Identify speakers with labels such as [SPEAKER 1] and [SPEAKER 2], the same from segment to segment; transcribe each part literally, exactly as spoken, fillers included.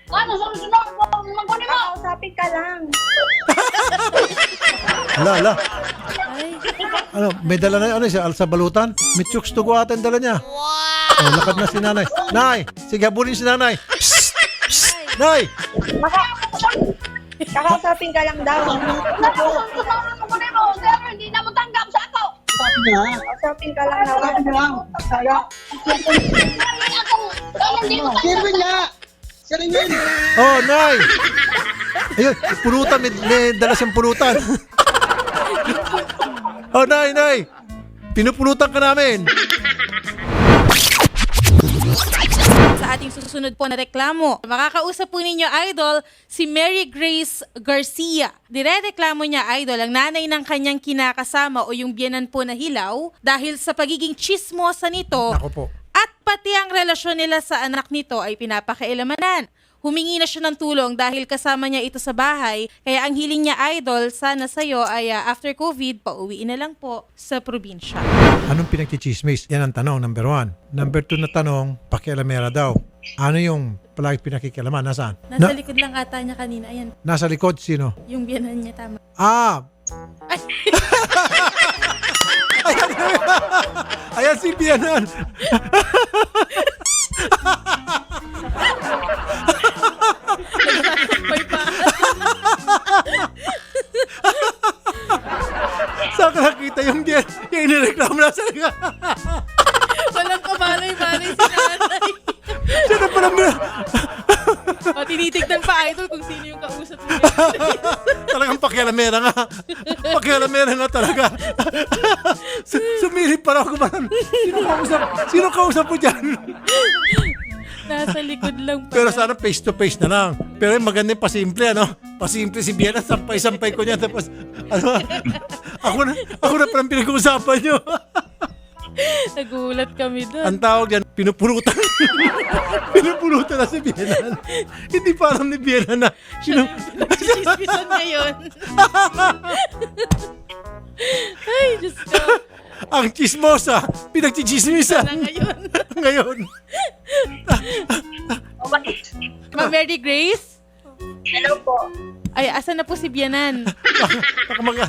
[SPEAKER 1] Ano, sunod-sunod mo, magkunin mo.
[SPEAKER 2] Kakausapin ka lang.
[SPEAKER 3] Ala, ala.
[SPEAKER 4] Ay,
[SPEAKER 3] Ano, may dala na, ano siya, alsa balutan? May chooks to go atan dala niya. Wow! Oh, lakad na si nanay. Nay, sige, habulin si nanay. Psst! Psst! Nay!
[SPEAKER 2] Kakausapin ka lang daw.
[SPEAKER 1] Ano, sunod-sunod mo, magkunin mo. Sir, hindi na mo tanggap sa ako.
[SPEAKER 2] Kakausapin ka lang daw.
[SPEAKER 1] Kaya akong, kaya hindi mo tanggap.
[SPEAKER 3] Oh, nay! Ayun, pulutan, may, may dala siyang pulutan. Oh, nay, nay! Pinupulutan ka namin.
[SPEAKER 4] sa ating susunod po na reklamo. Makakausap po ninyo, Idol, si Mary Grace Garcia. Direreklamo niya, Idol, ang nanay ng kanyang kinakasama o yung biyenan po na hilaw dahil sa pagiging chismosa nito
[SPEAKER 3] Ako po.
[SPEAKER 4] at pati ang relasyon nila sa anak nito ay pinapakailamanan. Humingi na siya ng tulong dahil kasama niya ito sa bahay. Kaya ang hiling niya, Idol, sana sa'yo ay uh, after COVID, pauwiin na lang po sa probinsya.
[SPEAKER 3] Anong pinagchichismis? Yan ang tanong, number one. Number two na tanong, pakialamera daw. Ano yung palagi pinakikialaman? Nasaan?
[SPEAKER 4] Nasa
[SPEAKER 3] Na-
[SPEAKER 4] likod lang ata niya kanina. Ayan,
[SPEAKER 3] nasa likod, sino?
[SPEAKER 4] yung biyanan niya, tama.
[SPEAKER 3] Ah!
[SPEAKER 4] Ay,
[SPEAKER 3] Ayan, ayan si Bianan.
[SPEAKER 4] may pa.
[SPEAKER 3] Saan ka nakita yung Bian? Yung inireklamo na sa liga.
[SPEAKER 4] Walang kabalay-balay si nanay.
[SPEAKER 3] Siya na pala mo.
[SPEAKER 4] O, tinitignan pa, Idol, kung sino yung kausap niya.
[SPEAKER 3] Talagang pakialamera nga. Pakialamera nga talaga. Su- Sumilip para ako ba? Sino kausap? Sino kausap mo dyan?
[SPEAKER 4] Nasa likod lang pa.
[SPEAKER 3] Pero sana face to face na lang. Pero yung maganda yung pasimple, ano? Pasimple si Biana, sampay-sampay ko niya. Tapos, ano? Ako na, ako na parang pinag-uusapan niyo.
[SPEAKER 4] Nagulat kami doon.
[SPEAKER 3] Ang tawag yan, pinupulutan. Pinupulutan na si Biana. Hindi pa alam ni Biana na. Sino?
[SPEAKER 4] Chismisan ngayon. Ay, Diyos ko.
[SPEAKER 3] Ang chismosa, pinagchichismisa.
[SPEAKER 4] Na ngayon.
[SPEAKER 3] Ngayon.
[SPEAKER 4] Ma'am Mary Grace?
[SPEAKER 2] Hello po.
[SPEAKER 4] Ay, asan na po si Bianan?
[SPEAKER 3] Baka mga...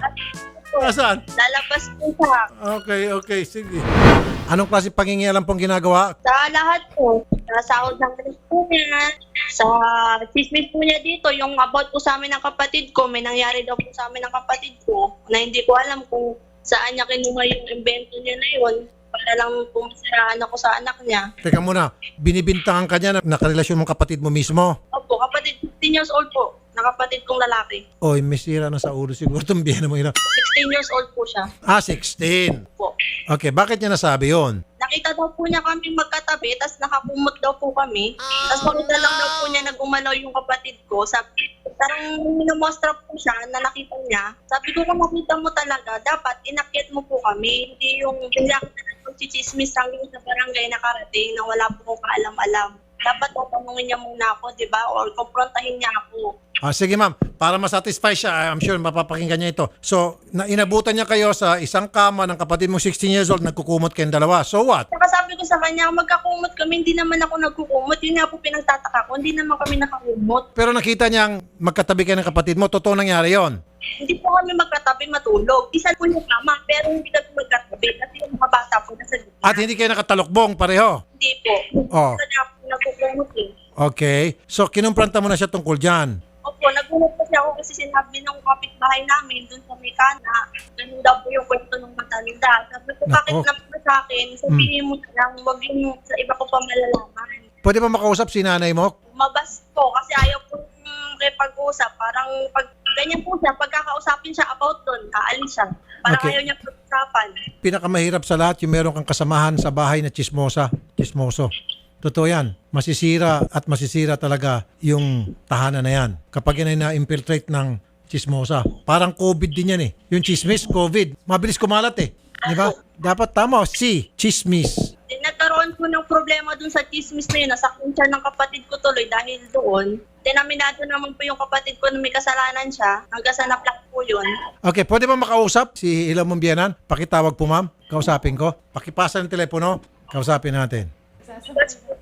[SPEAKER 3] Saan?
[SPEAKER 2] Lalabas po siya.
[SPEAKER 3] Okay, okay, sige. Anong klase pangingialam pong ginagawa?
[SPEAKER 2] Sa lahat po. Sa sahod ng rent po niya. Sa chismis po niya dito. Yung about po sa amin ng kapatid ko. May nangyari daw po sa amin ng kapatid ko. Na hindi ko alam kung saan niya kinuha yung invento niya na yun. Para lang po masiraan ako sa anak niya.
[SPEAKER 3] Teka muna, binibintangan ka niya na nakarelasyon mong kapatid mo mismo?
[SPEAKER 2] Opo, kapatid, fifteen years old po. Nakapatid kong lalaki.
[SPEAKER 3] Oy, may sira na sa ulo siguro itong biyana mo. Ina.
[SPEAKER 2] sixteen years old po siya.
[SPEAKER 3] Ah, sixteen.
[SPEAKER 2] Po.
[SPEAKER 3] Okay, bakit niya nasabi yon?
[SPEAKER 2] Nakita daw po niya kami magkatabi, tapos nakakumot daw po kami. Tapos makita lang daw po niya nagumalaw yung kapatid ko. Sabi, parang minumostra po siya na nakita niya. Sabi ko, kung makita mo talaga, dapat inakyat mo po kami. Hindi yung pinakita ng chichismis hanggang sa barangay nakarating na wala po kong kaalam-alam. Dapat tatanungin niya muna ako, di ba? Or komprontahin niya ako.
[SPEAKER 3] Ah, sige ma'am, para masatisfy siya, I'm sure mapapakinggan niya ito. So, na inabutan niya kayo sa isang kama ng kapatid mo sixteen years old, nagkukumot kayong dalawa. So what?
[SPEAKER 2] Saka sabi ko sa kanya, magkakumot kami, hindi naman ako nagkukumot. Yun nga po pinagtataka ko, hindi naman kami nakakumot.
[SPEAKER 3] Pero nakita niyang magkatabi kayo ng kapatid mo, totoo nangyari yon.
[SPEAKER 2] Hindi po kami magkatabi matulog. Isa po yung kama, pero hindi kami magkatabi kasi yung mga bata po nasa gitna.
[SPEAKER 3] At hindi kayo nakatalokbong pareho.
[SPEAKER 2] Hindi po.
[SPEAKER 3] Oh.
[SPEAKER 2] Kasi ako nagkukumot eh.
[SPEAKER 3] Okay. So, kinumpranta mo na siya tungkol dyan.
[SPEAKER 2] Opo, nagulat kasi ako kasi sinabi ng kapitbahay namin dun sa Mekana, ganun daw po yung kwento ng matanda. Sabi ko, bakit
[SPEAKER 3] Nako.
[SPEAKER 2] na po sa akin? Sabihin mo na lang, huwag yung sa iba ko pa malalaman.
[SPEAKER 3] Pwede ba makausap si nanay mo?
[SPEAKER 2] Umabas po kasi ayaw po mm, pag-usap. Parang pag ganyan po siya, pagkakausapin siya about doon, aalis siya. Parang
[SPEAKER 3] Okay.
[SPEAKER 2] ayaw niya pag-usapan.
[SPEAKER 3] Pinakamahirap sa lahat yung meron kang kasamahan sa bahay na chismosa, chismoso. Totoo yan. Masisira at masisira talaga yung tahanan na yan. Kapag yan ay na-infiltrate ng chismosa. Parang COVID din yan eh. Yung chismis, COVID. Mabilis kumalat eh. Di ba? Dapat tama. Si, chismis.
[SPEAKER 2] Then, nagkaroon po ng problema dun sa chismis na yun. Nasaktan siya ng kapatid ko tuloy dahil doon. Then, aminado naman po yung kapatid ko na may kasalanan siya. Hanggang sa naplak po yun.
[SPEAKER 3] Okay, pwede ba makausap si Ilaw Mumbianan? Pakitawag po ma'am. Kausapin ko. Pakipasa ng telepono. Kausapin natin.
[SPEAKER 2] That's po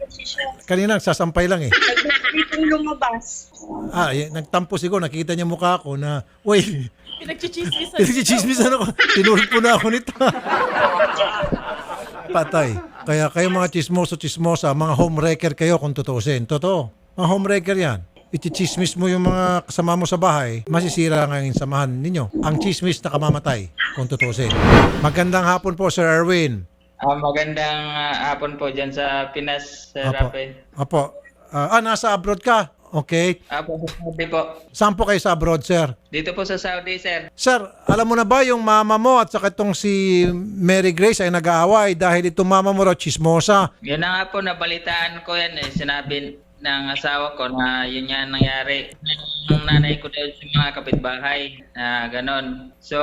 [SPEAKER 2] posisyon.
[SPEAKER 3] Kanina nagsasampay lang eh.
[SPEAKER 2] Nagpipitong lumabas.
[SPEAKER 3] Ah, y- nagtampo siguro, nakita niya mukha ko na, uy,
[SPEAKER 4] Pinagchichismisan.
[SPEAKER 3] pinagchichismisan ako. Tinulog po na ako nito. Patay. Kaya kayo mga chismoso-chismosa, mga homewrecker kayo kung tutuusin. Totoo. Mga homewrecker yan. Ichichismis mo yung mga kasama mo sa bahay, masisira nga yung samahan ninyo. Ang chismis na kamamatay kung tutuusin. Magandang hapon po, Sir Erwin.
[SPEAKER 5] Ah, magandang ah, hapon po dyan sa Pinas, Sir
[SPEAKER 3] Apo.
[SPEAKER 5] Rafael.
[SPEAKER 3] Apo. Ah, ah, nasa abroad ka? Okay.
[SPEAKER 5] Apo, sa Saudi po.
[SPEAKER 3] Saan po kayo sa abroad, sir?
[SPEAKER 5] Dito po sa Saudi, sir.
[SPEAKER 3] Sir, alam mo na ba yung mama mo at saka itong si Mary Grace ay nag-aaway dahil itong mama mo raw chismosa?
[SPEAKER 5] Yun na nga po, nabalitaan ko yan eh. Sinabi ng asawa ko na yun nga ang nangyari. Ang nanay ko daw sa mga kapitbahay na ganon. So,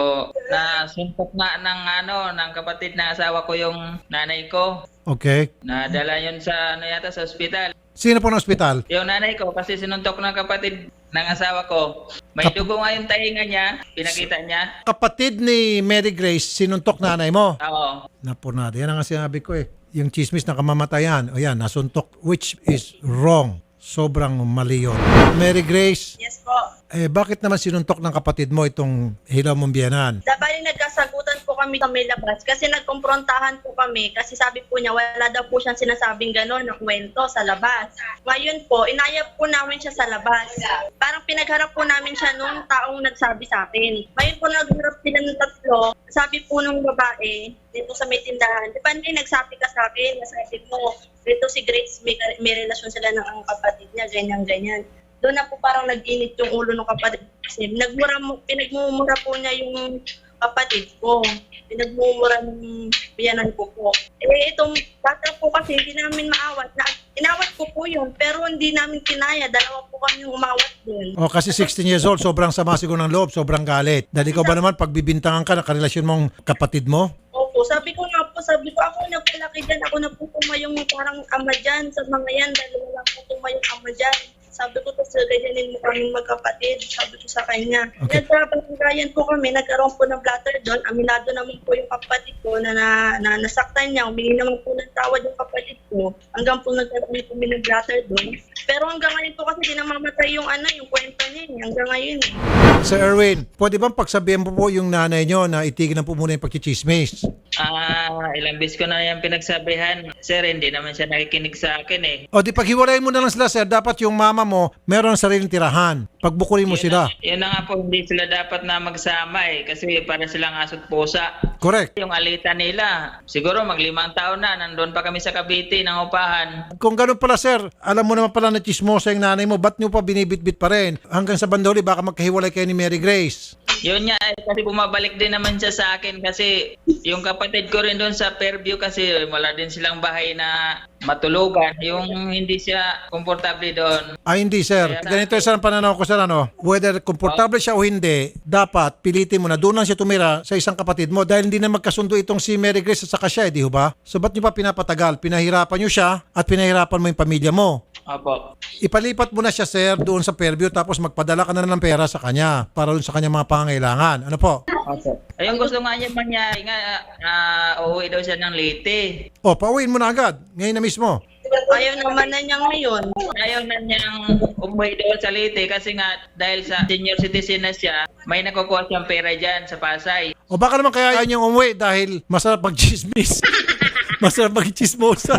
[SPEAKER 5] nasuntok nga ng ano, ng kapatid ng asawa ko yung nanay ko.
[SPEAKER 3] Okay.
[SPEAKER 5] Nadala yun sa ano yata sa ospital.
[SPEAKER 3] Sino po ng ospital?
[SPEAKER 5] Yung nanay ko kasi sinuntok ng kapatid ng asawa ko. May
[SPEAKER 3] Kap-
[SPEAKER 5] dugo nga yung tainga niya, pinakita niya.
[SPEAKER 3] Kapatid ni Mary Grace, sinuntok nanay mo.
[SPEAKER 5] Oo.
[SPEAKER 3] Napunado. Yan ang nga sinabi ko eh. Yung chismis na kamamatayan, o yan, nasuntok, which is wrong. Sobrang mali yun. Mary Grace,
[SPEAKER 2] Yes po.
[SPEAKER 3] eh bakit naman sinuntok ng kapatid mo itong hilaw mong biyanan?
[SPEAKER 2] Dabali nagkasagutan po kami sa may labas kasi nagkomprontahan po kami kasi sabi po niya wala daw po siyang sinasabing gano'n na kwento sa labas. Ngayon po, inayap po namin siya sa labas. Parang pinagharap po namin siya nung taong nagsabi sa akin. Ngayon po nagharap sila ng tatlo. Sabi po nung babae dito sa may tindahan, di ba hindi nagsabi ka sa akin, nasabi mo, dito si Grace, may, may relasyon sila ng ang kapatid niya, ganyan-ganyan. Doon na po parang nag-init yung ulo ng kapatid. Kasi nagmura mo, pinagmumura po niya yung kapatid ko. Pinagmumura ng biyanan ko po. Eh, itong bata po kasi hindi namin maawat. Na, inawat ko po yun, pero hindi namin kinaya. Dalawa po kami umawat din.
[SPEAKER 3] O kasi sixteen years old, sobrang sama siguro ng loob, sobrang galit. Dahil ikaw ba naman, pagbibintangan ka, nakarelasyon mong kapatid mo?
[SPEAKER 2] Opo, sabi ko nga po, sabi ko ako nagpalaki dyan, ako na po yung parang ama dyan sa mga yan, dahil wala po yung ama dyan. Sabi ko, tapos ganyanin mo kami magkapatid. Sabi ko sa kanya.
[SPEAKER 3] Okay.
[SPEAKER 2] Nagkabayan po kami, nagkaroon po ng blatter doon. Aminado naman po yung kapatid ko na, na, na nasaktan niya. Humingi naman po ng tawad yung kapatid ko. Hanggang po nagkaroon po ng blatter doon. Pero hanggang ngayon po kasi di namamatay yung ano, yung kwento niya. eh. Hanggang ngayon eh.
[SPEAKER 3] Sir Erwin, pwede bang pagsabihan po po yung nanay nyo na itigil na po muna yung pagchichismis?
[SPEAKER 5] Ah, ilang bis ko na yan pinagsabihan. Sir, hindi naman siya nakikinig sa akin eh.
[SPEAKER 3] O di paghiwalayin mo na lang sila, sir, dapat yung mama mo meron ng sariling tirahan. Pagbukulin mo
[SPEAKER 5] Yun
[SPEAKER 3] sila.
[SPEAKER 5] na, yun na nga po, hindi sila dapat na magsama eh. Kasi para silang aso't pusa.
[SPEAKER 3] Correct.
[SPEAKER 5] Yung alitan nila, siguro maglimang taon na, nandun pa kami sa Cavite ng upahan.
[SPEAKER 3] Kung ganun pala, sir, alam mo naman pala na chismosa yung nanay mo, ba't nyo pa binibitbit pa rin? Hanggang sa bandoli, baka magkahiwalay kayo ni Mary Grace.
[SPEAKER 5] Yun nga eh, kasi bumabalik din naman siya sa akin kasi yung kapatid ko rin doon sa Fairview kasi wala din silang bahay na matulugan. Yung hindi siya komportable doon.
[SPEAKER 3] Ay, hindi, sir. Ganito yung sir ang pananaw ko, sir, ano? Whether komportable siya o hindi, dapat pilitin mo na doon lang siya tumira sa isang kapatid mo dahil hindi na magkasundo itong si Mary Grace at saka siya, eh, di ba? So, ba't nyo pa pinapatagal? Pinahirapan nyo siya at pinahirapan mo yung pamilya mo.
[SPEAKER 5] Opo.
[SPEAKER 3] Ipalipat mo na siya, sir, doon sa Fairview tapos magpadala ka na ng pera sa kanya para doon sa kanya mga pangangailangan. Ano po?
[SPEAKER 5] Opo. Ayun, gusto nga niya mangyari nga, uh, uuwi daw siya ng Leyte.
[SPEAKER 3] O, pauwiin mo na agad. Ngayon na mismo.
[SPEAKER 2] Ayaw naman na niya ngayon.
[SPEAKER 5] Ayaw na niyang umuwi doon sa Leyte kasi nga dahil sa senior citizen na siya, may nakukuha siyang pera dyan sa Pasay.
[SPEAKER 3] O baka naman kaya ayaw niyang umuwi dahil masarap pag-chismis. masarap pag-chismosa.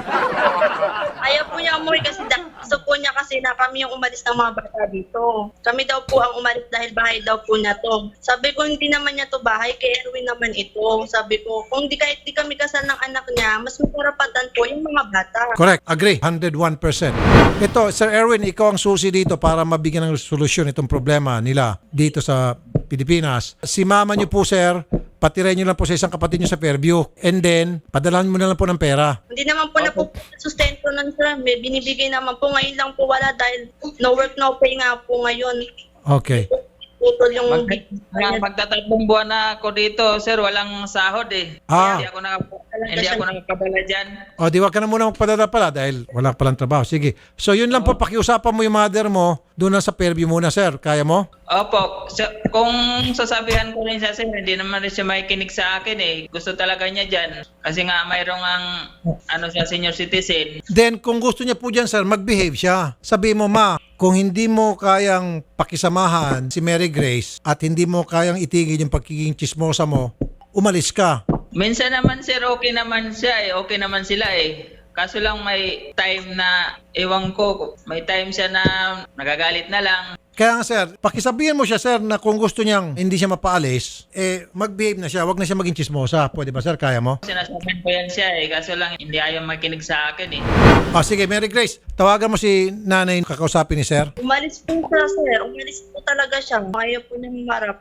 [SPEAKER 2] Ayaw po niya umuwi kasi da- gusto po niya kasi na kami yung umalis ng mga bata dito. Kami daw po ang umalis dahil bahay daw po niya to. Sabi ko, hindi naman niya to bahay, kay Erwin naman ito. Sabi ko, kung di kahit di kami kasal ng anak niya, mas makarapatan po yung mga bata.
[SPEAKER 3] Correct. Agree. one hundred one percent. Ito, Sir Erwin, ikaw ang susi dito para mabigyan ng solusyon itong problema nila dito sa Pilipinas. Si mama niyo po, sir, patiray niyo lang po sa isang kapatid niyo sa Fairview. And then, padalahan mo na lang po ng pera.
[SPEAKER 2] Hindi naman po na po sustento nun sir. May binibigay naman po. Ngayon lang po wala dahil no work, no pay nga po ngayon.
[SPEAKER 3] Okay.
[SPEAKER 2] Po putol yung...
[SPEAKER 5] Mag, mga magtatatlong buwan na ako dito, sir, walang sahod eh.
[SPEAKER 3] Ah.
[SPEAKER 5] Kaya hindi ako nakap hindi ako nakapabala diyan.
[SPEAKER 3] O, di wag ka na muna magpadala pala dahil wala palang trabaho. Sige. So, yun lang po, pakiusapan mo yung mother mo doon na sa Fairview muna, sir. Kaya mo?
[SPEAKER 5] Opo, so, kung sasabihan ko rin siya, sir, hindi naman rin siya makikinig sa akin eh. Gusto talaga niya dyan. Kasi nga mayroong ang ano siya, senior citizen.
[SPEAKER 3] Then, kung gusto niya po dyan, sir, mag-behave siya. Sabi mo, ma, kung hindi mo kayang pakisamahan si Mary Grace at hindi mo kayang itigil yung pagiging chismosa mo, umalis ka.
[SPEAKER 5] Minsan naman, sir, okay naman siya eh. Okay naman sila eh. Kaso lang may time na, ewan ko, may time siya na nagagalit na lang.
[SPEAKER 3] Kaya nga, sir, pakisabihin mo siya, sir, na kung gusto niyang hindi siya mapaalis, eh, mag-behave na siya. Wag na siya maging chismosa. Pwede ba, sir? Kaya mo?
[SPEAKER 5] Sinasabihan ko yan siya eh. Kaso lang hindi ayaw makinig sa akin eh.
[SPEAKER 3] Ah, sige, Mary Grace, tawagan mo si nanay kakausapin ni sir.
[SPEAKER 2] Umalis po siya, sir. Umalis po talaga siya. Ayaw po niya humarap.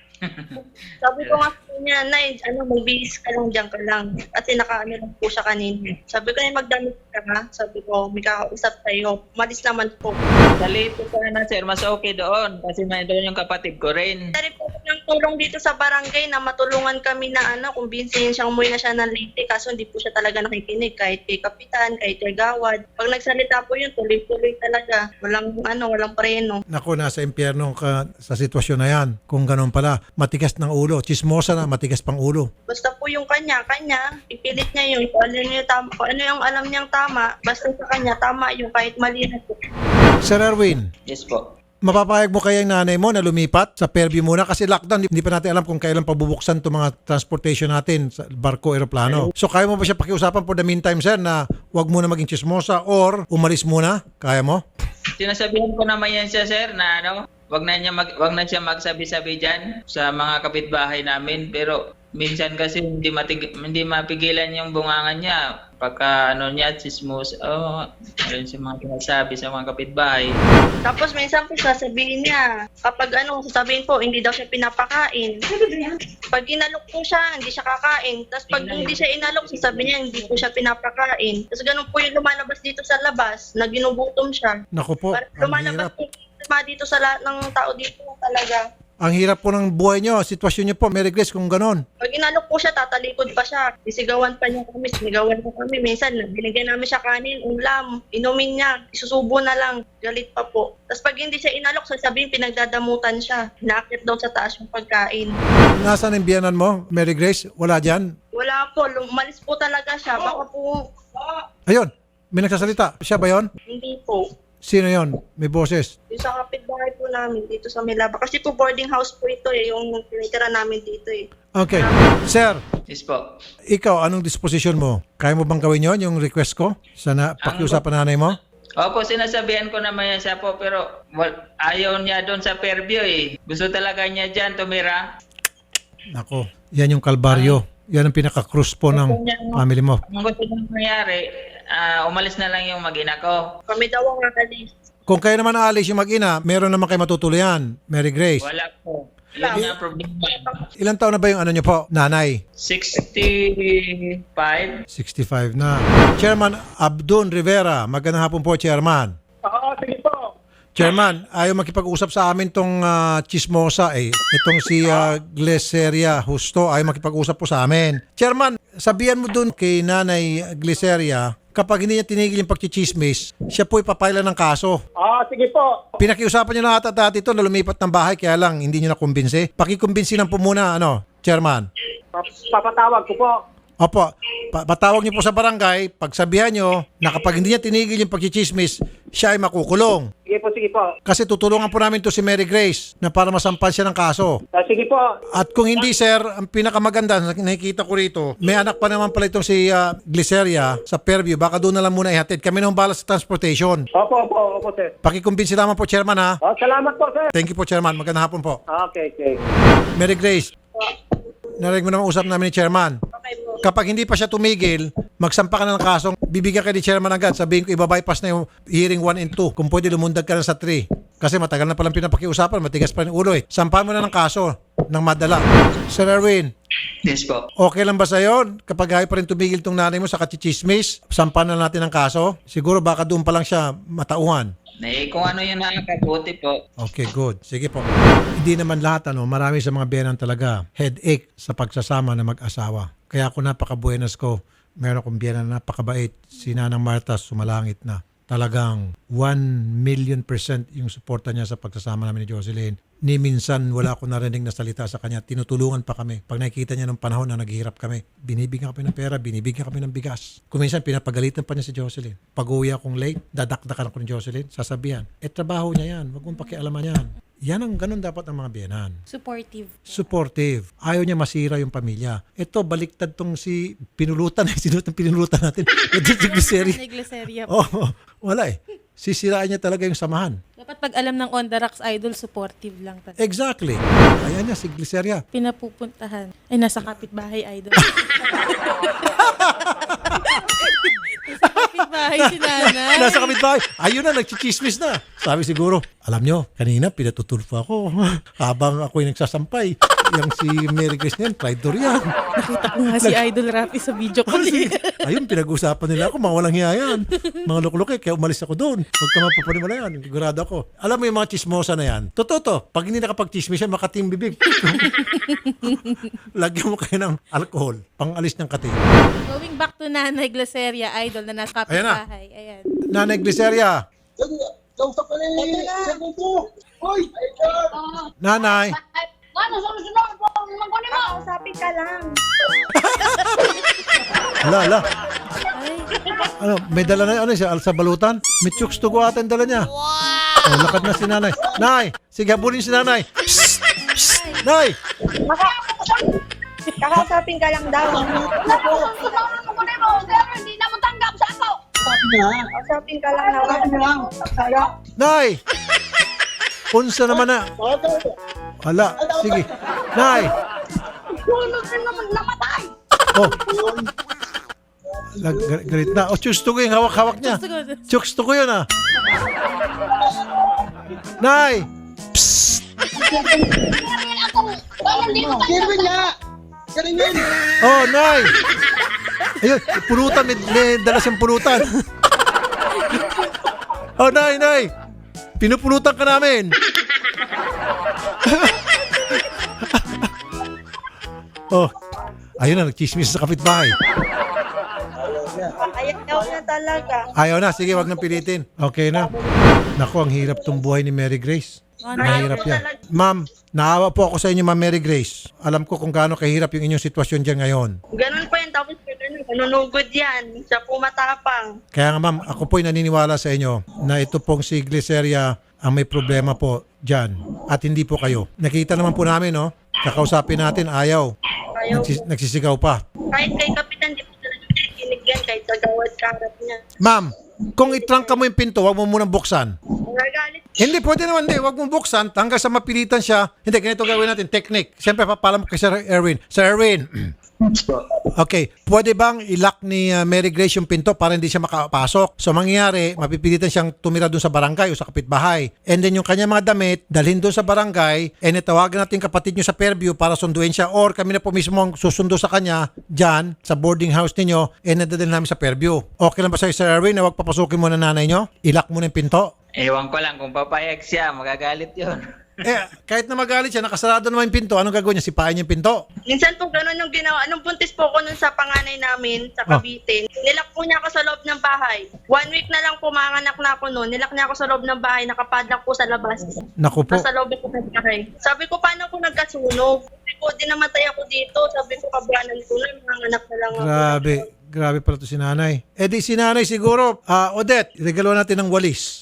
[SPEAKER 2] Sabi ko nga po niya, Nay, ano, magbihis ka lang, dyan ka lang. Kasi nakaano lang po siya kanina. Sabi ko, Nay, magdamit ka nga. Sabi ko, may kakausap tayo. Umalis naman po.
[SPEAKER 5] Salito ka na, sir. Mas okay doon. Kasi may doon yung kapatid ko rin.
[SPEAKER 2] Dari po ng tulong dito sa barangay na matulungan kami na ano, kumbinsihin siyang umuwi na siya ng Leyte. Kaso hindi po siya talaga nakikinig. Kahit kay Kapitan, kahit kay Gawad. Pag nagsalita po yun, tuloy-tuloy talaga. Walang ano, walang preno.
[SPEAKER 3] Naku, nasa impyerno ka sa sitwasyon na yan. Kung ganun pala, matigas ng ulo. Chismosa na, matigas pang ulo.
[SPEAKER 2] Basta po yung kanya, kanya, ipilit niya yun. Kung ano yung, tama, kung ano yung alam niyang tama, basta sa kanya, tama yung kahit mali na po.
[SPEAKER 3] Sir Erwin,
[SPEAKER 5] Yes po.
[SPEAKER 3] mapapayag mo kaya yung nanay mo na lumipat sa Fairview muna kasi lockdown, hindi pa natin alam kung kailan pabubuksan itong mga transportation natin sa barko, aeroplano. So kaya mo ba siya pakiusapan for the meantime, sir, na wag muna maging chismosa or umalis muna? Kaya mo?
[SPEAKER 5] Sinasabihan ko naman yan siya, sir, na ano, wag na, niya mag, wag na siya magsabi-sabi dyan sa mga kapitbahay namin. Pero minsan kasi hindi, matig, hindi mapigilan yung bungangan niya. Pagka ano niya, chismos, oh, ayun sa mga sinasabi sa mga kapitbahay.
[SPEAKER 2] Tapos minsan po sasabihin niya, kapag ano, sasabihin po, hindi daw siya pinapakain. Pag inalok po siya, hindi siya kakain. Tapos pag hindi siya inalok, sasabihin niya, hindi po siya pinapakain. Tapos ganun po yung lumalabas dito sa labas, na ginugutom siya.
[SPEAKER 3] Naku po,
[SPEAKER 2] Parang
[SPEAKER 3] ang
[SPEAKER 2] lumalabas
[SPEAKER 3] hirap.
[SPEAKER 2] po dito sa lahat ng tao dito talaga.
[SPEAKER 3] Ang hirap po ng buhay nyo, sitwasyon nyo po, Mary Grace, kung ganon.
[SPEAKER 2] Pag inalok po siya, tatalikod pa siya. Isigawan pa niya kami, sinigawan po kami. Minsan, binigyan namin siya kanin, ulam, inumin niya, isusubo na lang, galit pa po. Tapos pag hindi siya inalok, sasabihin pinagdadamutan siya. Nakakit daw sa taas yung pagkain.
[SPEAKER 3] Nasaan ang biyanan mo, Mary Grace? Wala dyan?
[SPEAKER 2] Wala po, lumalis po talaga siya. Baka po,
[SPEAKER 3] Ayun, may nagsasalita. Siya ba yon?
[SPEAKER 2] hindi po.
[SPEAKER 3] Sino yon? May boses.
[SPEAKER 2] Yung sa kapitbahay po namin, dito sa Milaba. Kasi po boarding house po ito eh, yung tinitira namin dito eh.
[SPEAKER 3] Okay. Sir,
[SPEAKER 5] Yes po.
[SPEAKER 3] ikaw, anong disposition mo? Kaya mo bang gawin yon, yung request ko? Sana pakiusapan nanay mo?
[SPEAKER 5] Opo, sinasabihan ko naman yan siya po, pero well, ayaw niya doon sa Fairview eh. Gusto talaga niya dyan tumira.
[SPEAKER 3] Nako, yan yung kalbaryo. Yan ang pinaka-cruise po ng family mo.
[SPEAKER 5] Ang gusto niyang mangyari, ah, umalis na lang yung mag-ina ko.
[SPEAKER 2] Kami daw ang alis.
[SPEAKER 3] Kung kayo naman aalis yung mag-ina, meron naman kayo matutuluyan, Mary Grace.
[SPEAKER 5] Wala po. Yun nga problema.
[SPEAKER 3] Ilan taon na ba yung ano nyo po, nanay?
[SPEAKER 5] sixty-five.
[SPEAKER 3] sixty-five na. Chairman Abdon Rivera, magandang hapon po, Chairman.
[SPEAKER 6] Oo, sige po.
[SPEAKER 3] Chairman, ayaw makipag-usap sa amin tong ah, chismosa eh. Itong si uh, Gleseria Justo, ayaw makipag-usap po sa amin. Chairman, sabihan mo dun kay Nanay Gleseria, kapag hindi niya tinigil yung pagchichismis, siya po ipapailan ng kaso.
[SPEAKER 6] Oo, sige po.
[SPEAKER 3] Pinakiusapan niyo na ata dati ito na lumipat ng bahay, kaya lang hindi niyo nakumbinsi. Pakikumbinsi lang po muna, ano, Chairman.
[SPEAKER 6] Papatawag ko po.
[SPEAKER 3] Opo, pa- patawag niyo po sa barangay, pagsabihan niyo na kapag hindi niya tinigil yung pagchichismis, siya ay makukulong.
[SPEAKER 6] Sige po, sige po.
[SPEAKER 3] Kasi tutulungan po namin to si Mary Grace na para masampal siya ng kaso.
[SPEAKER 6] Ah, sige po.
[SPEAKER 3] At kung hindi, sir, ang pinakamaganda, nakikita ko rito, may anak pa naman pala itong si uh, Glyceria sa Fairview. Baka doon na lang muna ihatid. Kami nang balas sa transportation.
[SPEAKER 6] Opo, opo, opo, sir.
[SPEAKER 3] Pakikumbinsi lamang po, Chairman, ha?
[SPEAKER 6] Oh, salamat po, sir.
[SPEAKER 3] Thank you po, Chairman. Magandang hapon po.
[SPEAKER 6] Okay, okay.
[SPEAKER 3] Mary Grace, narinig mo naman usap namin ni Chairman.
[SPEAKER 2] Okay po.
[SPEAKER 3] Kapag hindi pa siya tumigil, magsampa ka na ng kasong, bibigyan ka ni Chairman agad. Sabihin ko, ibabypass na yung hearing one and two. Kung pwede, lumundag ka na sa three. Kasi matagal na palang pinapakiusapan, matigas pa yung ulo eh. Sampahan mo na ng kaso ng madala. Sir Erwin,
[SPEAKER 5] Yes po.
[SPEAKER 3] okay lang ba sa'yo kapag ayaw pa rin tumigil tong nanay mo sa kachichismis? Sampahan na natin ng kaso? Siguro baka doon pa lang siya matauhan.
[SPEAKER 5] Eh, kung ano yung nakakabuti po.
[SPEAKER 3] Okay, good. Sige po. Hindi naman lahat, ano, marami sa mga biyenan talaga headache sa pagsasama ng mag-asawa. Kaya ako napaka-buenas ko. Meron akong biyenan na napakabait. Si Nanang Marta, sumalangit na. Talagang one million percent yung suporta niya sa pagsasama namin ni Jocelyn. Ni minsan wala akong narinig na salita sa kanya. Tinutulungan pa kami. Pag nakikita niya ng panahon na naghihirap kami, binibigyan kami ng pera, binibigyan kami ng bigas. Kung minsan pinapagalitan pa niya si Jocelyn. Pag uwi akong late, dadakdakan ako ni Jocelyn, sasabihan, eh trabaho niya yan, wag mong pakialaman yan. Yan ang ganun dapat ang mga biyenan.
[SPEAKER 4] Supportive.
[SPEAKER 3] Supportive. Ayaw niya masira yung pamilya. Ito, baliktad tong si pinulutan. Sino itong pinulutan natin? Ito si Glyceria.
[SPEAKER 4] Negleseria.
[SPEAKER 3] Oh, wala eh. Sisiraan niya talaga yung samahan.
[SPEAKER 4] Dapat pag alam ng On The Rocks Idol, supportive lang talaga.
[SPEAKER 3] Exactly. Ayan niya, si Glyceria.
[SPEAKER 4] Pinapupuntahan. Ay, nasa kapitbahay, Idol. Nasa kapitbahay si nanay.
[SPEAKER 3] Nasa kapitbahay. Ayun na, nagchichismis na. Sabi siguro, alam nyo, kanina pinatutulfo ako. Habang ako'y nagsasampay. Yung si Mary Grace na yan, traitor yan.
[SPEAKER 4] Nakita ko nga si Idol Rafi sa video call.
[SPEAKER 3] Ayun, pinag-usapan nila ako, mga walang hiya yan. Mga lukluk eh, kaya umalis ako doon. Huwag ka mapapanimala yan, sigurado ako. Alam mo yung mga chismosa na yan, totoo to, pag hindi nakapag-chismis yan, makating bibig. Lagyan mo kayo ng alcohol, pang-alis ng kating.
[SPEAKER 4] Going back to Nanay Glaceria, Idol, na nasa
[SPEAKER 3] Ayan na.
[SPEAKER 4] kapitbahay. Ayan.
[SPEAKER 3] Nanay Glyceria, Nanay,
[SPEAKER 1] Ay, ano, sunod-sunod po, magkunin mo.
[SPEAKER 2] Kausapin ka lang.
[SPEAKER 3] ala, ala.
[SPEAKER 4] Ay,
[SPEAKER 3] Ano, may dala na, ano siya, sa balutan? May chooks to go ata yung dala niya. Wow! Oh, lakad na si nanay. Nay, sige, habulin si nanay. Psst! Psst! Nay!
[SPEAKER 2] Kakausapin ka lang daw.
[SPEAKER 1] Sunod-sunod, magkunin mo. Pero hindi na mo tanggap sa ako.
[SPEAKER 2] Kausapin ka lang daw.
[SPEAKER 3] Nay! Unsa naman na? Hala, sige. Nay!
[SPEAKER 1] Sunod na naman namatay.
[SPEAKER 3] Oh. Lag, gar- galit na. Oh, chooks to go yung hawak-hawak niya. Chooks to go yun ah. Nay! Psst!
[SPEAKER 1] Kaya ako. Kaya hindi mo tanggap.
[SPEAKER 3] Oh, Nay! Ayun, pulutan. May, may dala siyang pulutan. Oh, Nay, Nay! Pinupulutan ka namin. Oh, ayun na, nagchismis sa kapitbahay.
[SPEAKER 2] Ayaw na talaga.
[SPEAKER 3] Ayaw na, sige, wag nang pilitin. Okay na. Naku, ang hirap tong buhay ni Mary Grace. Mahirap yan. Ma'am, naawa po ako sa inyo, Ma'am Mary Grace. Alam ko kung gaano kahirap yung inyong sitwasyon dyan ngayon.
[SPEAKER 2] Ganun po yan. Tapos ganun, nanunugod yan. Siya po matapang.
[SPEAKER 3] Kaya nga ma'am, ako po'y naniniwala sa inyo na ito pong si Glyceria ang may problema po dyan. At hindi po kayo. Nakita naman po namin, no? Kakausapin natin, ayaw.
[SPEAKER 2] Ayaw.
[SPEAKER 3] Nagsis- nagsisigaw pa.
[SPEAKER 2] Kahit kay Kapitan, di po talaga kinig yan. Kahit sa gawad karat niya.
[SPEAKER 3] Ma'am, kung itrangka mo yung pinto, wag mo munang buksan.
[SPEAKER 2] Nagalit.
[SPEAKER 3] Hindi, pwede naman, hindi. Wag mong buksan hanggang sa mapilitan siya. Hindi, ganito gawin natin. Technique. Siyempre, papala mo kay Sir Erwin. Sir Erwin. Okay. Pwede bang ilock ni uh, Mary Grace yung pinto para hindi siya makapasok? So, mangyayari, mapipilitan siyang tumira doon sa barangay o sa kapitbahay. And then, yung kanya mga damit, dalhin doon sa barangay, and itawagan natin kapatid nyo sa Fairview para sunduin siya. Or kami na po mismo ang susundo sa kanya dyan, sa boarding house ninyo, and nadalhin namin sa Fairview. Okay lang ba sa'yo, Sir Erwin, na wag papasukin mo na nanay nyo? Ilock mo na yung pinto?
[SPEAKER 5] Ewan ko lang kung papayag siya, magagalit yun.
[SPEAKER 3] Eh, kahit na magalit siya, nakasarado naman yung pinto, anong gagawin niya? Sipain yung pinto?
[SPEAKER 2] Minsan po ganun yung ginawa. Anong buntis po ko nun sa panganay namin sa
[SPEAKER 3] Oh.
[SPEAKER 2] Cavite. Nilak po niya ako sa loob ng bahay. One week na lang po manganak na ako noon. Nilak niya ako sa loob ng bahay. Nakapadlock po sa labas.
[SPEAKER 3] Naku po.
[SPEAKER 2] Nasa loob ko ng bahay. Sabi ko, paano ko nagkasunog? Sabi ko, di namatay ako dito. Sabi ko, kabranan ko na. Manganak na lang ako.
[SPEAKER 3] Grabe. Grabe pala to si nanay. Eh di si nanay siguro, ah Odette, regalo natin ng walis.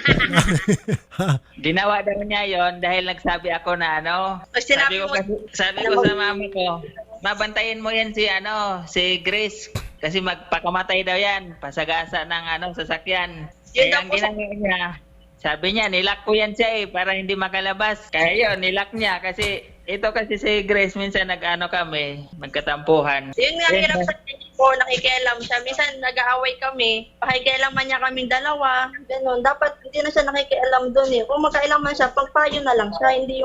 [SPEAKER 5] Ginawa daw niya yon dahil nagsabi ako na ano,
[SPEAKER 2] Pag
[SPEAKER 5] sabi
[SPEAKER 2] sinabi
[SPEAKER 5] ko,
[SPEAKER 2] mo-
[SPEAKER 5] kasi, sabi ko sa mama ko, mabantayin mo yan si ano, si Grace. Kasi magpakamatay daw yan, pasagasa ng ano, sasakyan.
[SPEAKER 2] Yun
[SPEAKER 5] Kaya
[SPEAKER 2] daw
[SPEAKER 5] ang
[SPEAKER 2] po sa-
[SPEAKER 5] ginawa niya, sabi niya, nilak ko yan siya eh, para hindi makalabas. Kaya yun, nilak niya kasi ito kasi si Grace, minsan nag-ano kami, magkatampuhan.
[SPEAKER 2] Yun nga,
[SPEAKER 5] Yun,
[SPEAKER 2] hirap sa kanya po, nakikialam siya. Minsan nag-aaway kami, pakikialaman niya kaming dalawa, ganun. Dapat hindi na siya nakikialam doon eh. Kung magkailaman siya, pagpayo na lang siya, hindi yung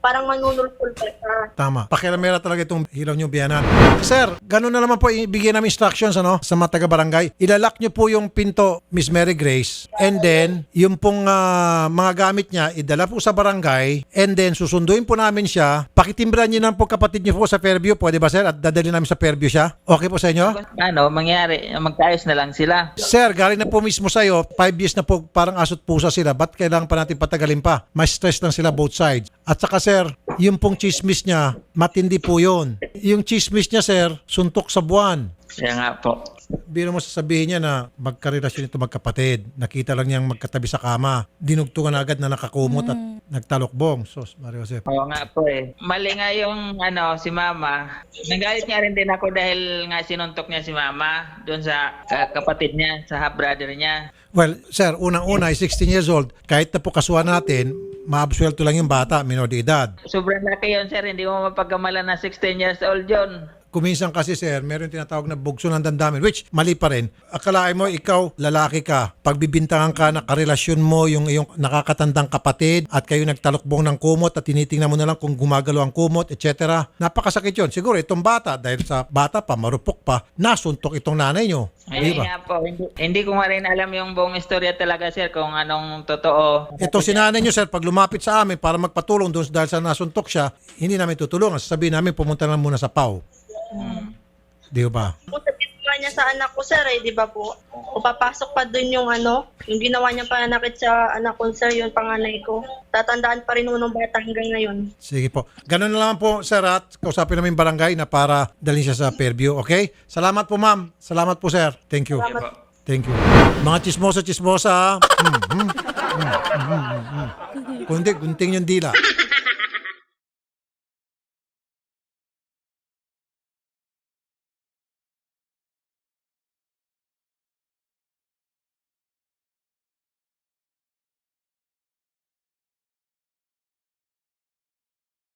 [SPEAKER 2] parang manunulpul pa siya.
[SPEAKER 3] Tama. Pakialamera talaga itong hilaw nyo biyanan. Sir, ganun na naman po ibigay namin instructions ano, sa mga taga-barangay. Ilalak nyo po yung pinto, Miss Mary Grace. And then, yung pong ah, mga gamit niya, idala po sa barangay. And then, susunduin po namin siya. Pakitimbran nyo na po kapatid nyo po sa Fairview. Pwede ba, sir? At dadali namin sa Fairview siya. Okay po sa inyo?
[SPEAKER 5] Ano, mangyari, magkaayos na lang sila.
[SPEAKER 3] Sir, galing na po mismo sa'yo, five years na po parang asot pusa sila. Ba't kailangan pa natin patagalin pa? May stress lang sila both sides. At saka sir, yung pong chismis niya, matindi po yun. Yung chismis niya sir, suntok sa buwan.
[SPEAKER 5] Kaya nga po.
[SPEAKER 3] Biro mo sasabihin niya na magkarelasyon ito magkapatid. Nakita lang niyang magkatabi sa kama. Dinugtungan na agad na nakakumot at nagtalokbong. Sos, Mario Jose.
[SPEAKER 5] Oo nga po eh. Mali nga yung ano, si mama. Nagalit nga rin din ako dahil nga sinuntok niya si mama doon sa ka- kapatid niya, sa half-brother niya.
[SPEAKER 3] Well, sir, unang-una ay sixteen years old. Kahit na po kasuhan natin, maabsuelto lang yung bata, minor de edad.
[SPEAKER 5] Sobrang laki yun, sir. Hindi mo mapagkamalan na sixteen years old yun.
[SPEAKER 3] Kuminsan kasi sir, meron tinatawag na bugso ng damdamin, which mali pa rin. Akalain mo, ikaw, lalaki ka, pagbibintangan ka na karelasyon mo yung iyong nakakatandang kapatid at kayo nagtalokbong ng kumot at tinitingnan mo na lang kung gumagalaw ang kumot, et cetera. Napakasakit yun. Siguro itong bata, dahil sa bata pa, marupok pa, nasuntok itong nanay nyo.
[SPEAKER 5] Ayun
[SPEAKER 3] Di ba?
[SPEAKER 5] nga po. Hindi, hindi ko nga rin alam yung buong istorya talaga, sir, kung anong totoo.
[SPEAKER 3] Ito si nanay nyo, sir, pag lumapit sa amin para magpatulong doon dahil sa nasuntok siya, hindi namin tutulungan. Sasabihin namin, pumunta lang muna sa P A W. Di ba?
[SPEAKER 2] Kung sabihin nga niya sa anak ko, sir, eh, di ba po? O papasok pa dun yung ano, yung ginawa niya pananakit sa anak ko, sir, yung panganay ko. Tatandaan pa rin nung bata hanggang ngayon.
[SPEAKER 3] Sige po. Ganun na lang po, sir, at kausapin namin yung barangay na para dalhin siya sa Fairview. Okay? Salamat po, ma'am. Salamat po, sir. Thank you.
[SPEAKER 5] Ayun po.
[SPEAKER 3] Thank you. Mga chismosa, chismosa. Hmm, hmm, hmm, hmm, hmm, hmm. Kundi, gunting yung dila.